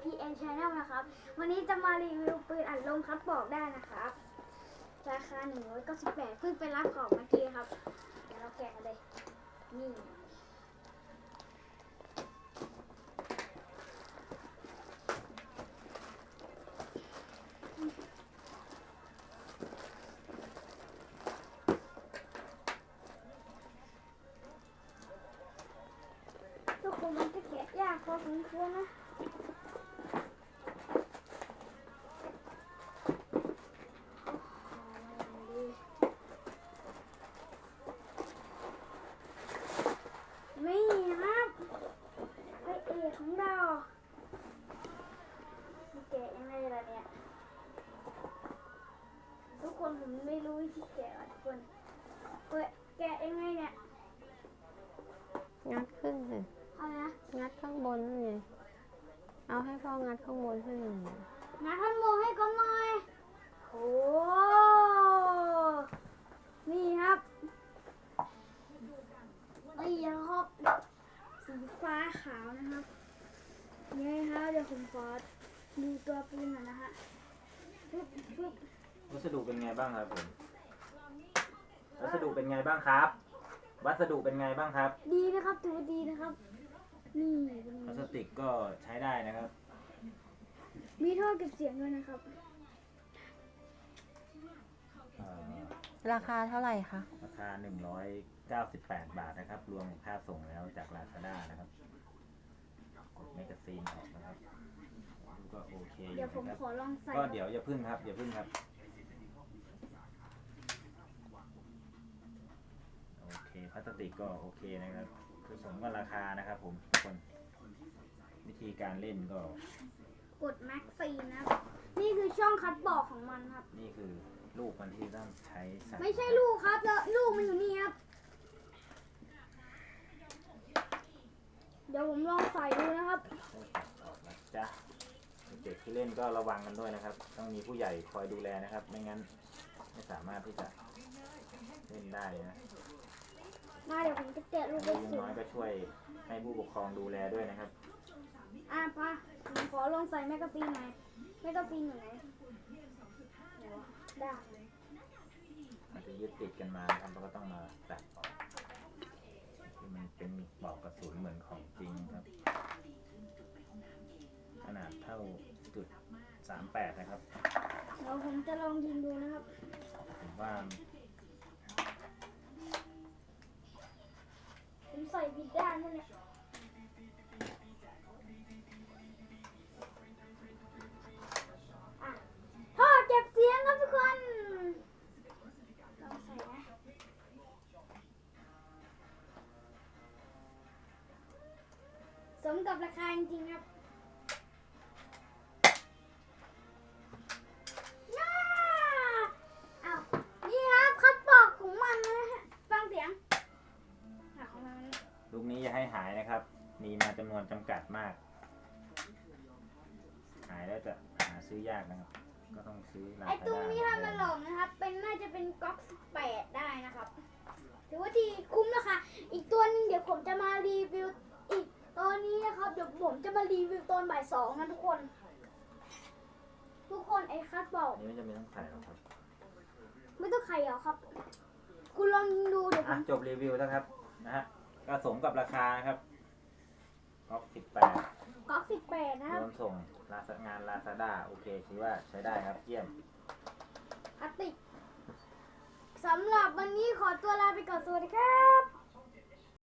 PN Channel นะครับวันนี้จะมารีวิวปืนอัดลมคัดบอกได้นะครับราคา198เพิ่งไปรับของเมื่อกี้ครับเดี๋ยวเราแกะกันเลยนี่ทุกคนมันจะแกะยากพอสมควรนะนี่ครับพระเอกของเราแกะยังไงล่ะเนี่ยทุกคนผมไม่รู้วิธีแกะทุกคนแกะยังไงเนี่ยงัดขึ้นสิเอานะงัดข้างบนนั่นไงเอาให้พ่องัดข้างบนขึ้นหน่อยงัดข้างบนให้ก่อนหน่อยโอ้นี่ครับนี่ครับสีฟ้าขาวนะครับนี่ครับเดี๋ยวผมขอดูตัวปืนหน่อยนะฮะปึ๊บวัสดุเป็นไงบ้างครับผมวัสดุเป็นไงบ้างครับวัสดุเป็นไงบ้างครับดีนะครับถือว่าดีนะครับนี่พลาสติกก็ใช้ได้นะครับมีท่อเก็บเสียงด้วยนะครับราคาเท่าไหร่คะราคา198 บาทนะครับรวมค่าส่งแล้วจาก Lazada นะครับกดแมกกาซีนออกนะครับก็โอเคเดี๋ยวผมขอลองใส่ก็เดี๋ยวอย่าพึ่งครับโอเคพลาสติกก็โอเคนะครับคือสมกับราคานะครับผมทุกคนวิธีการเล่นก็กดแม็กซีนนะครับนี่คือช่องคัดบอกของมันครับนี่คือลูกมันที่ต้องใช้ใส่ไม่ใช่ลูกครับแล้วลูกมันอยู่นี่ครับเดี๋ยวผมลองใส่ดูนะครับจ้ะเด็กที่เล่นก็ระวังกันด้วยนะครับต้องมีผู้ใหญ่คอยดูแลนะครับไม่งั้นไม่สามารถที่จะเล่นได้นะเดี๋ยวผมจะแกะลูกลูกน้อยก็ช่วยให้ผู้ปกครองดูแลด้วยนะครับป้าผมขอลองใส่แมกกาซีนหน่อยแมกกาซีนอยู่ไหนได้มันจะยึดติดกันมานะครับเราก็ต้องมาตัดออกที่มันเป็นปลอกกระสุนเหมือนของจริงครับขนาดเท่า.38นะครับเดี๋ยวผมจะลองยิงดูนะครับผมว่าผมใส่ผิดด้านนั่นแหละท่อเก็บเสียงครับทุกคนลองใส่นะสมกับราคาจริงๆครับนี่ครับคัดบอกของมันนะฮะฟังเสียงลูกนี้อย่าให้หายนะครับมีมาจำนวนจำกัดมากหายแล้วจะหาซื้อยากนะครับก็ต้องซื้อไอ้ตุ้งนี้ถ้ามันหลงนะครับน่าจะเป็นก๊อก18ได้นะครับถือว่าดีคุ้มราคาอีกตัวนึงเดี๋ยวผมจะมารีวิวอีกตัวนี้นะครับเดี๋ยวผมจะมารีวิวตอนบ่าย2นะทุกคนไอ้คัดบอกนี่ไม่จำเป็นต้องใส่หรอกครับไม่ต้องไข่หรอครับคุณลองดูเดี๋ยวจบรีวิวแล้วครับนะฮะก็สมกับราคาครับก๊อก 18นะครับรวมส่งงาน Lazada โอเคคิดว่าใช้ได้ครับเยี่ยมสำหรับวันนี้ขอตัวลาไปก่อนสวัสดีครับ